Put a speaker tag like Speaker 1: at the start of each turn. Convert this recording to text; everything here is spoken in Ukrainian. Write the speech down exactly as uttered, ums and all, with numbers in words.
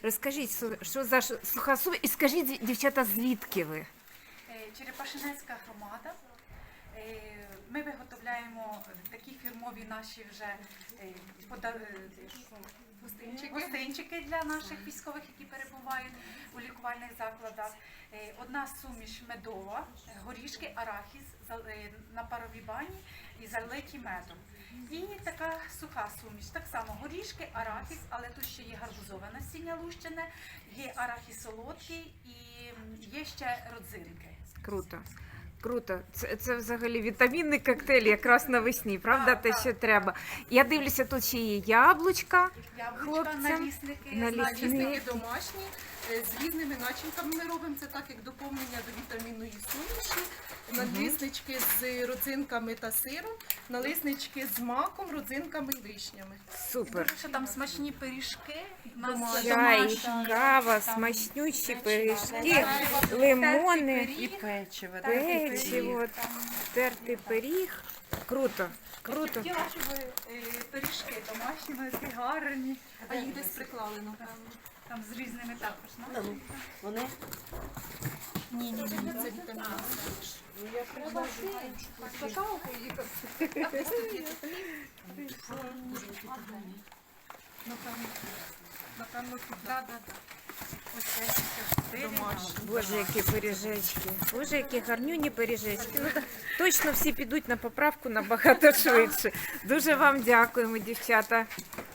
Speaker 1: Розкажіть, що- що за ш- суха суміш, і скажіть, дівчата, звідки ви?
Speaker 2: Е, Черепашинецька громада. Е, Ми виготовляємо такі фірмові наші вже е, пода- е, гостинчики. гостинчики для наших військових, які перебувають у лікувальних закладах. Е, Одна суміш медова, е, горішки, арахіс зал- е, на паровій бані і залиті медом. І така суха суміш, так само горішки, арахіс, але тут ще є гарбузове насіння лущене, є арахіс солодкий і є ще родзинки.
Speaker 1: Круто. Круто. Це, це взагалі вітамінний коктейль якраз навесні, правда?
Speaker 2: Так,
Speaker 1: Те,
Speaker 2: так.
Speaker 1: що треба. Я дивлюся, тут ще є яблучка.
Speaker 2: Яблучка,
Speaker 1: Хлопцям
Speaker 2: налісники,
Speaker 1: налісники.
Speaker 3: Налісники домашні е, з різними начинками ми робимо. Це так як доповнення до вітамінної суміші. Наліснички з родзинками та сиром, наліснички з маком, родзинками і вишнями.
Speaker 1: Супер.
Speaker 2: Дуже що там смачні пиріжки. У нас
Speaker 3: Домашні.
Speaker 1: Чай,
Speaker 2: домашні,
Speaker 1: кава,
Speaker 2: там
Speaker 1: смачнючі
Speaker 2: печиво,
Speaker 1: пиріжки,
Speaker 2: тертий
Speaker 1: лимони,
Speaker 2: пиріг,
Speaker 4: печиво.
Speaker 2: тертий
Speaker 1: печиво,
Speaker 2: пиріг, там.
Speaker 1: тертий пиріг. Круто, круто.
Speaker 2: Хотіла, щоб е, пиріжки домашні, вони такі гарні.
Speaker 3: А їх десь приклали, напевно.
Speaker 2: Там з різними також.
Speaker 4: Ну, Вони
Speaker 3: Ні, ні, ні, це вітамінна суміш. Напевно, напевно, туди.
Speaker 2: Да, да, да. Ось це чотири.
Speaker 3: Домашні.
Speaker 1: Боже, які пиріжечки. Боже, які гарнюні пиріжечки. Ну, та- точно всі підуть на поправку набагато швидше. Дуже вам дякуємо, дівчата.